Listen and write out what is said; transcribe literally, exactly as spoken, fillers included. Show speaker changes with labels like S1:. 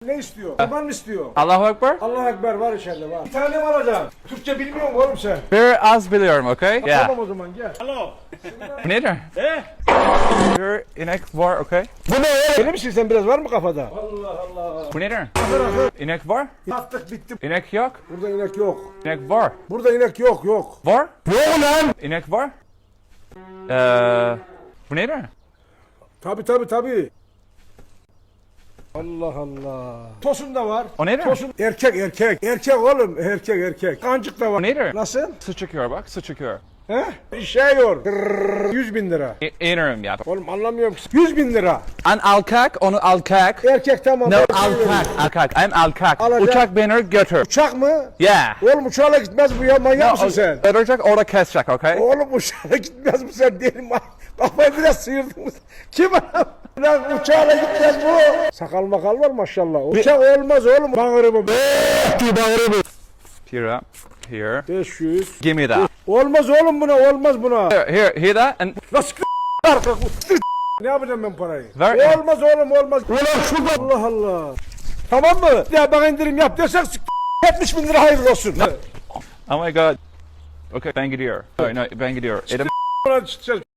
S1: Ne istiyor? Kurban mı istiyor?
S2: Allahu Ekber?
S1: Allah Ekber var içeride var. Bir tane mi alacaksın? Türkçe bilmiyor musun oğlum sen?
S2: Bir az biliyorum, okay? Yeah.
S1: Tamam o zaman gel. Alo.
S2: Bu nedir?
S1: He?
S2: Bir inek var, okay?
S1: Bu ne ya? Deli misin sen, biraz var mı kafada? Allah Allah.
S2: Bu nedir?
S1: Akır akır.
S2: İnek var?
S1: Attık bitti.
S2: İnek yok.
S1: Burada inek yok.
S2: İnek var.
S1: Burada inek yok yok.
S2: Var?
S1: Yok lan.
S2: İnek var? Ee, bu nedir?
S1: Tabi tabi tabi. Allah Allah. Tosun da var.
S2: O nedir?
S1: Tosun erkek erkek. Erkek oğlum erkek erkek. Kancık da var.
S2: O nedir?
S1: Nasıl?
S2: Su çıkıyor bak, su çıkıyor.
S1: He? Şey yor. Yüz bin lira.
S2: İ- İnerim ya.
S1: Oğlum anlamıyorum ki. Yüz bin lira.
S2: An alkak, onu alkak.
S1: Erkek tamam.
S2: No,
S1: Erkek
S2: alkak, alkak. I'm alkak.
S1: Alacak.
S2: Uçak beni götür.
S1: Uçak mı?
S2: Yeah.
S1: Oğlum uçağla gitmez bu ya, manyak mısın sen?
S2: Götürecek, orada kesecek, okay?
S1: Oğlum uçağla gitmez bu sen, deli mi? Kafayı biraz sıyırdın mı? Kim adam? Lan uçağla gitmez bu. Sakal makal var maşallah. Uçak olmaz oğlum. Bağırı bu. Bağırı bu.
S2: Here, here.
S1: beş yüz.
S2: Give me that.
S1: Olmaz oğlum buna, olmaz buna.
S2: Here, here, hear that? And
S1: Nasıl arka? Ne yapacağım ben parayı?
S2: Ver-
S1: Olmaz oğlum, olmaz. Ulan şurada. Allah Allah. Tamam mı? Ya bana indirim yap diyorsak yetmiş bin lira hayırlı olsun.
S2: oh my god. Okay, ben gidiyor. No, no, ben gidiyor. Elim-
S1: Ulan